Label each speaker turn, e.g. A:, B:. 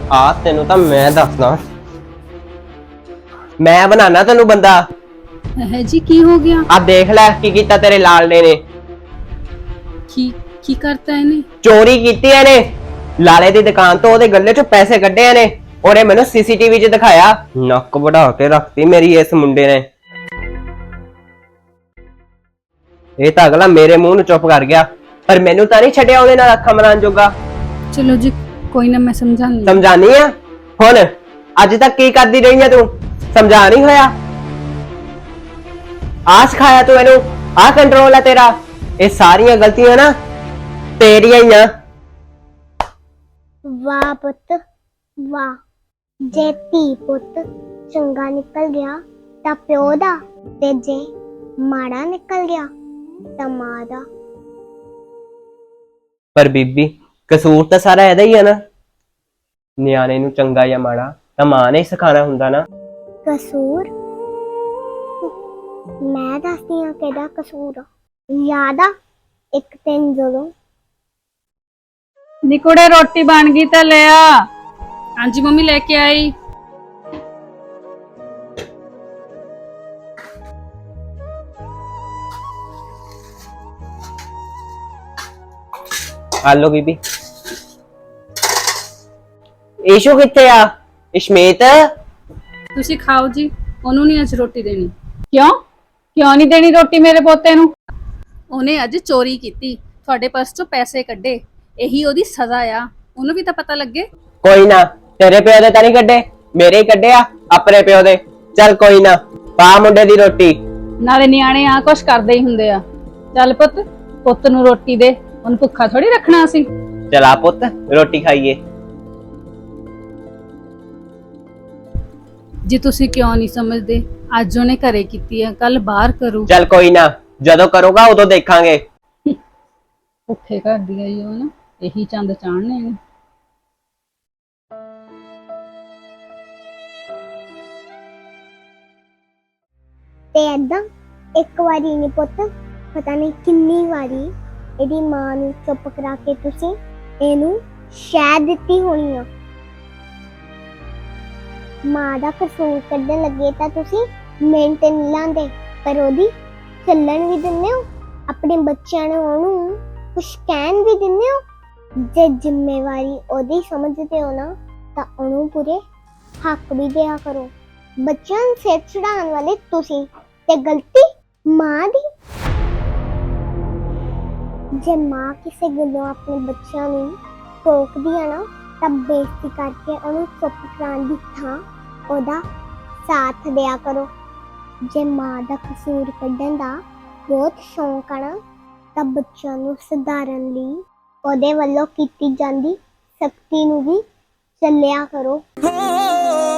A: आ तेनू तां मैं दसदा, मैं बनाना तेनू बंदा।
B: है जी की हो गया?
A: आ देख लै की कीता तेरे लालने ने।
B: की करता है ने?
A: चोरी कीती है ने। लाले दी दुकान तो ओदे गल्ले चों पैसे कड्ढे ने और मैनू सीसीटीवी च दिखाया। नक बढ़ा के रखती मेरी इस मुंडे ने। ये तो अगला मेरे मुंह नूं चुप कर गया, पर मैनू तां नहीं छड्डिया ओदे नाल अखां मरान जोगा।
B: चलो जी कोई ना, मैं समझानी।
A: समझानी है हुण? अज तक की करदी रही है तू? समझा नहीं होया? आ सिखाया तू इनू? आ कंट्रोल है तेरा? ये सारियां गलतियां ना तेरियां ही आ।
C: वाह पुत वाह, जे धी पुत चंगा निकल गया तां प्यो दा, ते जे माड़ा निकल गया तां मां दा।
A: पर बीबी कसूर तो सारा एदा ही है ना। न्याणे नूं चंगा या माड़ा तां मां ने ही सिखाना हुंदा ना।
C: कसूर मैं दसदी हां केदा कसूर आ। याद आ एक दिन जदों
D: निकुड़े रोटी बन गई तो ले आ।
B: हाँ जी मम्मी लेके आई।
A: आलो बीबी। ईशू कित्थे आ? इशमीत
B: ਤੁਸੀਂ ਖਾਓ ਜੀ, ਉਹਨੂੰ ਨਹੀਂ ਅੱਜ ਰੋਟੀ ਦੇਣੀ।
D: क्यों क्यों नहीं देनी रोटी मेरे पोते नू?
B: ਉਹਨੇ ਅੱਜ ਚੋਰੀ ਕੀਤੀ, ਤੁਹਾਡੇ ਪਰਸ ਚੋਂ ਪੈਸੇ ਕੱਢੇ, ਇਹੀ ਉਹਦੀ ਸਜ਼ਾ ਆ। ਉਹਨੂੰ ਵੀ ਤਾਂ ਪਤਾ ਲੱਗੇ।
A: कोई ना, तेरे प्यो दे तां नहीं कड्डे, मेरे ही कड्डे आ अपने प्यो दे। चल कोई ना, पा मुंडे दी रोटी।
D: नाले नियाणे आ कुछ करदे ही हुंदे आ। चल पुत पुत नू रोटी दे, उन भुखा थोड़ी रखना असी।
A: चला पुत रोटी खाइए।
B: ਜੀ ਤੁਸੀਂ ਕਿਉਂ ਨਹੀਂ ਸਮਝਦੇ? ਅੱਜ ਉਹਨੇ ਘਰੇ ਕੀਤੀ ਹੈ, ਕੱਲ ਬਾਹਰ ਕਰੂ।
A: चल कोई ना, जदों करूंगा उदों देखांगे।
D: भुखे घर दी आई हो ना, यही चंद चाणने ने।
C: ते ऐदां एक वारी नहीं पुत, पता नहीं किन्नी वारी एदी मां नूं चुप करा के तुसीं एनू शह दित्ती होनी आ। मां दा कसूर कड्ढण लगे तां तुसीं मिंट नहीं लांदे, पर ओदी ਚੱਲਣ भी दिंदे हो, अपने बच्चों नूं ओनू कुछ कहन भी दिंदे हो। जे जिम्मेवारी ओदी समझदे हो ना तां ओनू पूरे हक भी दिया करो। बच्चों नूं सिर चढ़ाउण वाले तुसीं ते गलती मां दी। जे मां किसी गल्लों अपने बच्चों नूं टोकदी है ना तां बेइज्जती करके ओनू चुप कराउण दी थां ओदा साथ दिया करो। जे मां दा कसूर कड्ढण दा बहुत शौक आ ना तां बच्चों नूं सुधारन लई ओदे वल्लों कीती जांदी सख्ती नूं भी ਚੱਲਿਆ करो।